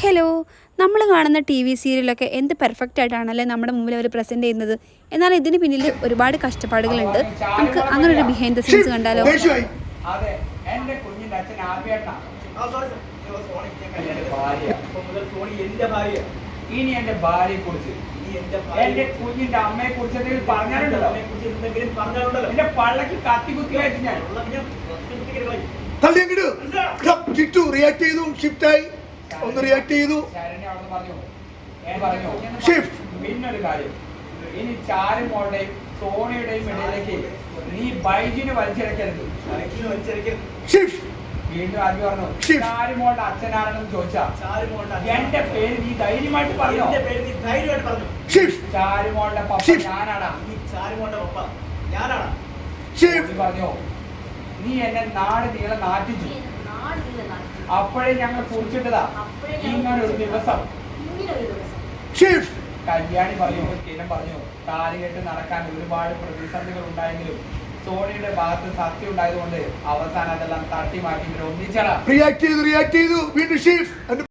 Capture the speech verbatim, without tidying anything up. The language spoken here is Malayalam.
ഹലോ, നമ്മൾ കാണുന്ന ടി വി സീരിയലൊക്കെ എന്ത് പെർഫെക്റ്റ് ആയിട്ടാണല്ലേ നമ്മുടെ മുമ്പിൽ അവർ പ്രസൻറ്റ് ചെയ്യുന്നത്. എന്നാൽ ഇതിന് പിന്നിൽ ഒരുപാട് കഷ്ടപ്പാടുകളുണ്ട്. നമുക്ക് അങ്ങനെ ഒരു ബിഹൈൻഡ് ദ സീൻസ് കണ്ടാലോ. അതെ, എന്റെ കുഞ്ഞിന്റെ അച്ഛൻ ആദ്യമായിട്ടാണ്. ഇനി എന്റെ ഭാര്യയെ കുറിച്ച്, എന്റെ കുഞ്ഞിന്റെ അമ്മയെ കുറിച്ച് എന്തെങ്കിലും പറഞ്ഞാലുണ്ടല്ലോ, എന്റെ പള്ളക്ക് കത്തി കുത്തി വെച്ച് ഞാൻ റിയാക്ട് ചെയ്തു. ഷിഫ്റ്റായി ഒന്ന് റിയാക്ട് ചെയ്തു. പിന്നൊരു കാര്യം, ഇനി ചാരുമോളുടെയും സോണിയുടെയും ഇടയിലേക്ക് നീ ബൈജിന് വലിച്ചിറക്കരുത്. വീണ്ടും അത് പറഞ്ഞു, ചാരുമോളുടെ അച്ഛനാണെന്ന് ചോദിച്ചാ എന്റെ പേര് നീ ധൈര്യമായിട്ട് പറഞ്ഞു. ചാരുമോളുടെ പപ്പ ഞാനാടാ. പറഞ്ഞോ, നീ എന്നെ നാട് നീളെ നാട്ടിച്ചു. അപ്പോഴേ ഞങ്ങൾ കുറിച്ചിട്ടതാ ഇങ്ങനൊരു ദിവസം. കല്യാണി പറഞ്ഞു, സ്ഥിരം പറഞ്ഞു, താലി കെട്ട് നടക്കാൻ ഒരുപാട് പ്രതിസന്ധികൾ ഉണ്ടായെങ്കിലും സോണിയുടെ ഭാഗത്ത് സത്യം ഉണ്ടായതുകൊണ്ട് അവസാനം അതെല്ലാം തട്ടി മാറ്റി ഒന്നിച്ചടാ. റിയാക്ട് ചെയ്തു റിയാക്ട് ചെയ്തു വീണ്ടും ഷിഫ്റ്റ്